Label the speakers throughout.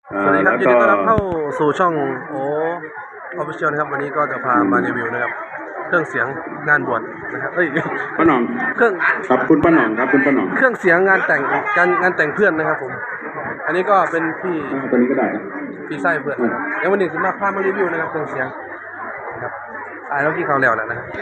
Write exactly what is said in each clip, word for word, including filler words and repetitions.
Speaker 1: สวัสดีครับยินดีต้อนรับเข้าสู่ช่องโอออฟฟิเชียลนะครับวันนี้ก็จะพามารีวิวนะครับเครื่องเสียงงานบวชนะครับเอ้ย
Speaker 2: ป้าหน่อง
Speaker 1: เครื่อง
Speaker 2: ครับคุณป้าหน่องครับคุณป้าหน่อง
Speaker 1: เครื่องเสียงงานแต่งการงานแต่งเพื่อนนะครับผมอันนี้ก็เป็นพี่
Speaker 2: ตัวนี้ก็ได้
Speaker 1: พี่ไส้เพื่อนแล้ววันนี้จะมาพามารีวิวนะครับเครื่องเสียงนะครับอ่าแล้วที่เขาแล้วแหละนะครับ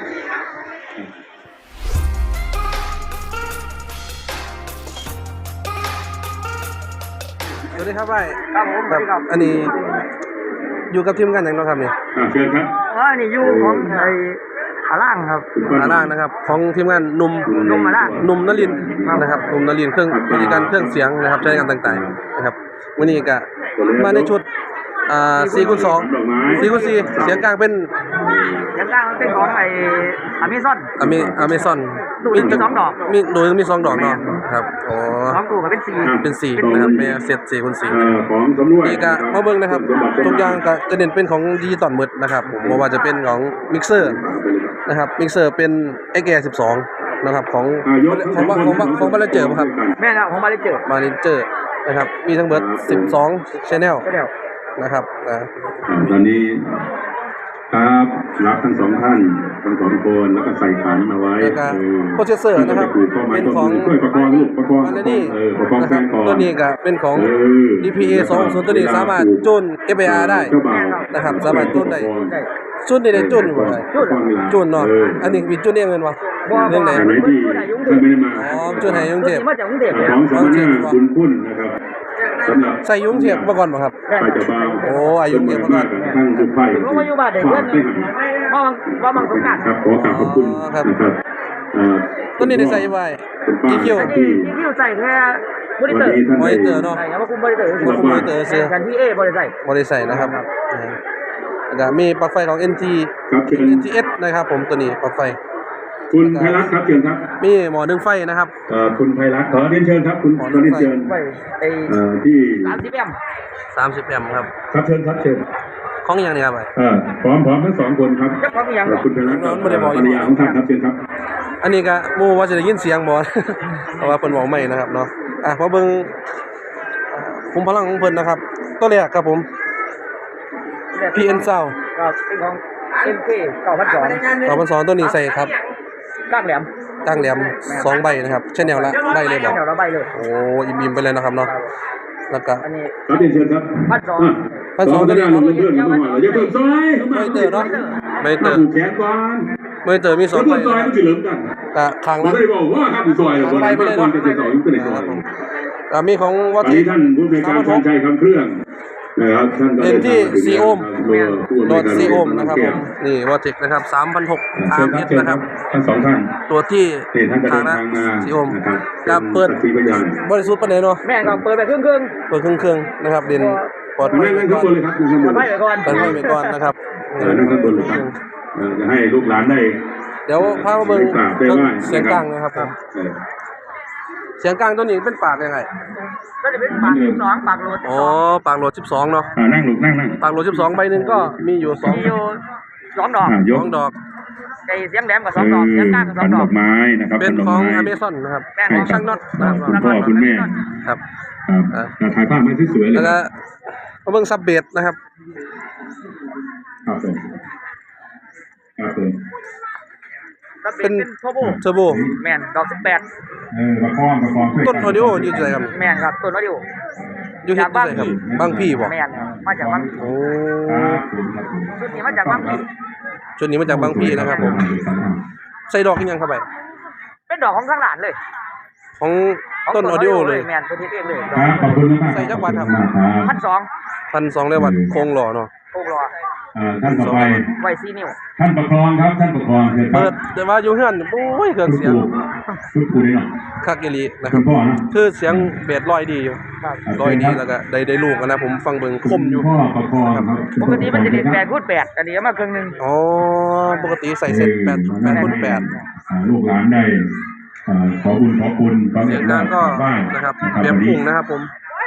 Speaker 1: สวัสดีครับไอ้
Speaker 3: ครับผมสวัสดีครับ
Speaker 1: อันนี้อยู่กับทีมงานอย่างน้อยครับเนี่ย
Speaker 2: อ่าเชิญครับ
Speaker 3: อ๋อนี่อยู่ของไอ้ขาล่างครับ
Speaker 1: ขาล่างนะครับของทีมงานหนุ่ม
Speaker 3: นุ่มมาล่าง
Speaker 1: หนุ่มนลินนะครับหนุ่มนลินเครื่องบริการเครื่องเสียงนะครับใช้งานต่างๆนะครับวันนี้ก็มาในชุดอ่าสี่คูณสองสี่คูณสี่เสียงกลางเป็น
Speaker 3: เสียงกลางเป็นของไอ้อเมซอน
Speaker 1: อเมอเมซอน
Speaker 3: มีสองดอก
Speaker 1: มีโดยมีสองดอกเนาะครับอ๋อ
Speaker 3: สองตัวก็เป็นสี่
Speaker 1: เป็นสี่นะครับเป็นเซตสี่คูณสี่
Speaker 2: ของสำรวจ
Speaker 1: นี่ก็มาเบิ่งนะครับทุกอย่างก็จะเน้นเป็นของดิจิตอลหมดนะครับผมว่าจะเป็นของมิกเซอร์นะครับมิกเซอร์เป็น เอ็กซ์ เอ สิบสองนะครับของของของของบาลเจอร์ครับ
Speaker 3: แม่นะของบาลเจอร์
Speaker 1: บาลเจอร์นะครับมีทั้งหมดสิบสอง channel นะครับนะ
Speaker 2: ตอนนี้ครับรับทั้งสองท่านทั้งสองคนแล้วก็ใส่ขันเอาไว้
Speaker 1: โปรเซสเซอร์นะครับเป็นของ
Speaker 2: ประกอบลูกประกอบ
Speaker 1: อันนี้
Speaker 2: นะครับ
Speaker 1: ตัวนี้ก็เป็นของ ดี พี เอ สองศูนย์ตัวนี้สามารถจูน เอฟ เอ อาร์ ได้นะครับสามารถจูนได้จูนได้ได้จูนบ่ได้จูนเนาะอันนี้มีจูนเองแม่นบ่เรื่องไหนอ๋อจูนให้ยุงเทพ
Speaker 3: มาจากกรุงเทพ
Speaker 2: ของสมณะคุณคุณนะครับ
Speaker 1: ใส่ยุงเทพมาก่อนบ่ครับ
Speaker 2: ไปจะบ้า
Speaker 1: โอ้อายุเทพมาก่อน
Speaker 2: ทั้งทุกไฟ
Speaker 3: ผมมาอยู่บ้านเด็กเพื่อนว่ามังว่ามังสงการ
Speaker 2: ครับขอกราบขอบคุณนะครับ
Speaker 1: ต้นนี้ได้ใส่ไว้กี่คิว
Speaker 3: กี่คิวใส่แค่บริเตอร์
Speaker 1: บริเตอร์เนาะ
Speaker 3: ใช่ครับว่าคุมบริเตอร์
Speaker 1: คุมบริเตอร์เสีย
Speaker 3: กันที่เอบริใส่
Speaker 1: บริใส่นะครับแล้วก็มีปลั๊กไฟของ เอ็น ที เอ็น ที เอส นะครับผมตัวนี้ปลั๊กไฟ
Speaker 2: คุณไพรัตน์ครับเชิญครับ
Speaker 1: มีหมอดึงไฟนะครับ
Speaker 2: เอ่อคุณไพรัตน์ขอเรียนเชิญครับคุณขอเรียนเชิญ
Speaker 3: ไอ้
Speaker 2: เอ่อที่
Speaker 3: สามสิบแอมป์
Speaker 1: สามสิบแอมป์ครับ
Speaker 2: ครับเชิญครับเชิญ
Speaker 1: ของอย่างนี้ครับ
Speaker 2: เออพร้อมพร้อมทั้งสองคนครับคุณไพรัตน์ภรรยาของท่านครับเชิญครับ
Speaker 1: อันนี้ก็มูว่าจะได้ยินเสียงบ่เพราะว่าเพิ่นบอกไม่นะครับเนาะอ่ะมาเบิ่งคุมพลังของเพิ่นนะครับตัวแรกครับผม พี เอ็น Sound
Speaker 3: ครับเป็นของ เอ็ม เค เก้าพันสอง
Speaker 1: เก้าพันสองตัวนี้ใส่ครับ
Speaker 3: ก้างแหลม
Speaker 1: ก้างแหลมสองใบนะครับเช่นแนวละใบเลยบ่
Speaker 3: แนวละใบเลย
Speaker 1: โอ้อิ่มๆไปเลยนะครับเนาะแล้วก็
Speaker 3: อันนี้
Speaker 2: ครับเชิญครับ
Speaker 3: พันสอง
Speaker 1: พันสองตัวนี้
Speaker 2: เพื่อนๆเข้ามาอย่าเพิ่มซอย
Speaker 1: ไม่เตอร์เนาะไม่เตอร์
Speaker 2: แขนก่อน
Speaker 1: ไม่เตอร์มีสอง
Speaker 2: ใบซอยมันสิเหลืองกัน
Speaker 1: ก็ข้างละ
Speaker 2: ไม่ได้บอกว่าครับซอยบ่ได้บ่ได้จะต่ออยู่ตัวไหนซอย
Speaker 1: อ่ามีของวัด
Speaker 2: ที่ท่านผู้ในการชัยคำเครื่องนะครับท่านก็
Speaker 1: เป็นที่สี่โอห์มโหลดสี่โอห์มนะครับผมนี่วอเทคนะครับ สามพันหกร้อย อาร์ เอส นะครับ
Speaker 2: ทั้งสองท่าน
Speaker 1: ตัวที่
Speaker 2: ทางละ
Speaker 1: สี่โอห์มกับเปิดบริสุทธิ์ปานใดเนาะ
Speaker 3: แม่ก็เปิดไปครึ่งๆ
Speaker 1: เปิดครึ่งๆนะครับเด่นปลอด
Speaker 2: ภัยนั่งข้างบนเลยครับนั่งข้างบน
Speaker 3: ไปก่อน
Speaker 1: ไปก่อนนะครับ
Speaker 2: นั่งข้างบนเลยครับจะให้ลูกหลานได้
Speaker 1: เดี๋ยวพามาเบิ่งเสียงกลางนะครับผมเสียงกลางตัวนี้เป็นปากยังไง
Speaker 3: ก็จะเป็นปากสิบสองปากโหลด
Speaker 1: อ๋อปากโหลดสิบสองเนาะ
Speaker 2: นั่งลูกนั่งนั่ง
Speaker 1: ปากโหลดสิบสองใบหนึ่งก็มีอยู่สอง
Speaker 3: มีอยู่สองดอก
Speaker 1: สองดอก
Speaker 3: ไอ้เสียงแหลมกับสองดอกเสียงกลางกับสองดอก
Speaker 2: ไม้นะครับ
Speaker 1: เป็นของอเมซอนนะครับของช่างน็อตนะครับ
Speaker 2: คุณพ่อคุณแม่
Speaker 1: ครับ
Speaker 2: ถ่ายภาพมาสวยๆเลย
Speaker 1: แล้วก็มาเบิ่งซับเบสนะครับ
Speaker 2: ครับผมครับผม
Speaker 1: เป็น
Speaker 3: เทอร์โบ
Speaker 1: เทอร์โบ
Speaker 3: แมนดอกสิบแปด
Speaker 2: เออประคองประคอง
Speaker 1: ต้นออดิโออยู่ที่ไหนครับ
Speaker 3: แมนครับต้นออดิโอ
Speaker 1: อยู่ที่ไหนครับบางพี่บ่
Speaker 3: แมนมาจากบางพี่
Speaker 1: โอ้
Speaker 3: ชุดนี้มาจากบางพี่
Speaker 1: ชุดนี้มาจากบางพี่นะครับผมใส่ดอกยังเข้าไป
Speaker 3: เป็นดอกของข้างหลานเลย
Speaker 1: ของต้นออดิโอเลย
Speaker 3: แมนเป็นที่เองเลย
Speaker 2: ขอบคุณมาก
Speaker 1: ใส่จักรวาลครับ
Speaker 3: พันสอง
Speaker 1: พันสองเลยวัดโครงหล่อเนาะ
Speaker 3: โครงหล่อ
Speaker 2: ท่านต่อไป
Speaker 3: ไวซีนิว
Speaker 2: ท่านประคองครับท่านประคอง
Speaker 1: เปิดแต่ว่าอยู่เฮือนโอ้ยเครื่องเสียง
Speaker 2: ทุกคู่นี่เนาะ
Speaker 1: คักอีหลีนะครับคือเสียงเบสลอยดีอยู่ลอยดีแล้วก็ได้ได้ลูกนะผมฟังเบิ่งคมอยู่
Speaker 3: ปกติมันจะเป็นแปดคูณแปดอันนี้มาครึ่งนึง
Speaker 1: อ๋อปกติใส่เซ็ตแปดแปดคูณแปด
Speaker 2: ลูกหลานได้ขอบุญขอคุณ
Speaker 1: เสียงดังก็นะครับเบียบพุ่งนะครับผม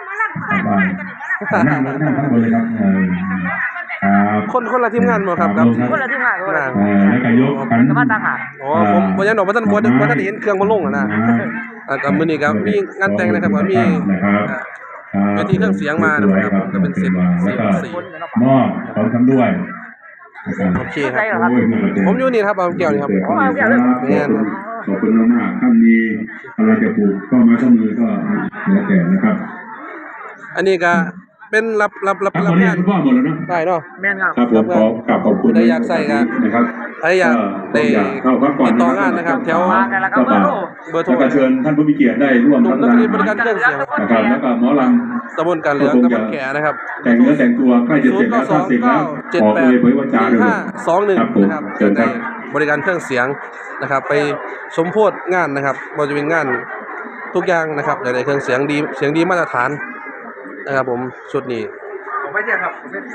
Speaker 2: นั่งนั่งข้างบนเลยครับ
Speaker 1: คนคนละทีมงานหมดครับครับ
Speaker 3: คนละทีมงานคนละ
Speaker 2: แล้วก็ยกกัน
Speaker 3: มาต่างหาก
Speaker 1: อ๋อผมวันนี้หนูว่าท่านบัวท่านเห็นเครื่องมันลงอ่ะนะกับมือนี้ครับมีงานแต่งนะครับว่ามีเวทีเครื่องเสียงมานะครับก็เป็นเซต
Speaker 2: แล้วก็
Speaker 1: สี่
Speaker 2: มอบพร้อมทั้งด้วยนะครับ
Speaker 1: โอเคครับ
Speaker 2: โอ้ยนี่ก็เป็น
Speaker 1: ผมอยู่นี่ครับบางแก้วนี่ครับ
Speaker 2: ขอบคุณขอบคุณมากๆท่านมีอะไรจะปลูกก็มาข้อมือก็แล้วแต่นะครับ
Speaker 1: อันนี้ก็เป็นรับรับรับ
Speaker 2: ครับ
Speaker 1: รั
Speaker 2: วั
Speaker 1: บ
Speaker 2: นนี้
Speaker 1: งาน
Speaker 2: คุณพ่อหมดแล้วเนาะ
Speaker 1: ได้เนาะ
Speaker 3: แม่นครับ
Speaker 2: ครับผมขอกราบขอบคุณ
Speaker 1: ได้อยากใส่ครับ
Speaker 2: นะครับ
Speaker 1: ใครอยากได้
Speaker 2: เข้าพักก่อน
Speaker 1: ติดต่องานนะครับแถว
Speaker 3: มากันแล้วครับเบอร์โทร
Speaker 1: เบอร์โทร
Speaker 2: แล้วก็เชิญท่านผู้มีเกียรติได้ร่วม
Speaker 1: หนุ่มนักเรียนบริการเครื่องเสียง
Speaker 2: นะครับแล้วก็หมอลำ
Speaker 1: ตำบลการเหลืองตำบลแก่นะครับ
Speaker 2: แต่งเนื้อแต่งตัวใกล้จะเสร็จแล้วถ้าเสร็จแล้ว
Speaker 1: เจ็ด
Speaker 2: ขอ
Speaker 1: แป
Speaker 2: เอ่
Speaker 1: ด
Speaker 2: ยเผยวาจาเลย
Speaker 1: ห้าสองหนึ่ง
Speaker 2: ครับผม
Speaker 1: นะครับ
Speaker 2: เชิญครับ
Speaker 1: บริการเครื่องเสียงนะครับ ไปสมโพธิงานนะครับบริเวณงานทุกอย่างนะครับในเครื่องเสียงดีเสียงดีมาตรฐานนะครับผมชุดนี้
Speaker 3: ผมไม่ใช่ครับ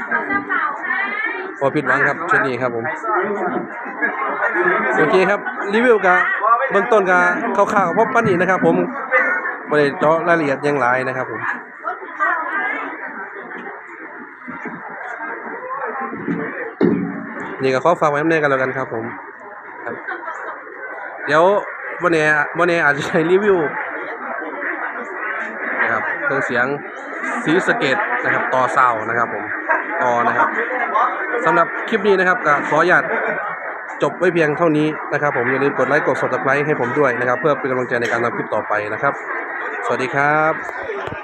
Speaker 1: พอผิดหวังครับชุดนี้ครับผมโอเคครับรีวิวกับเบื้องต้นกับข่าวๆเพราะปันนี้นะครับ ผมไม่ได้เจาะรายละเอียดอยังหลายนะครับผมนี่ก็ขอฝากไว้ในกันแล้วกันครับผมครับเดี๋ยววันนี้วันนี้อาจจะใช้รีวิวนะครับเครื่องเสียงสีสะเกตนะครับต่อเสานะครับผมต่อนะครับสำหรับคลิปนี้นะครับก็ขออนุญาตจบไว้เพียงเท่านี้นะครับผมอย่าลืมกดไลค์กด ซับสไครบ์ ให้ผมด้วยนะครับเพื่อเป็นกำลังใจในการทำคลิปต่อไปนะครับสวัสดีครับ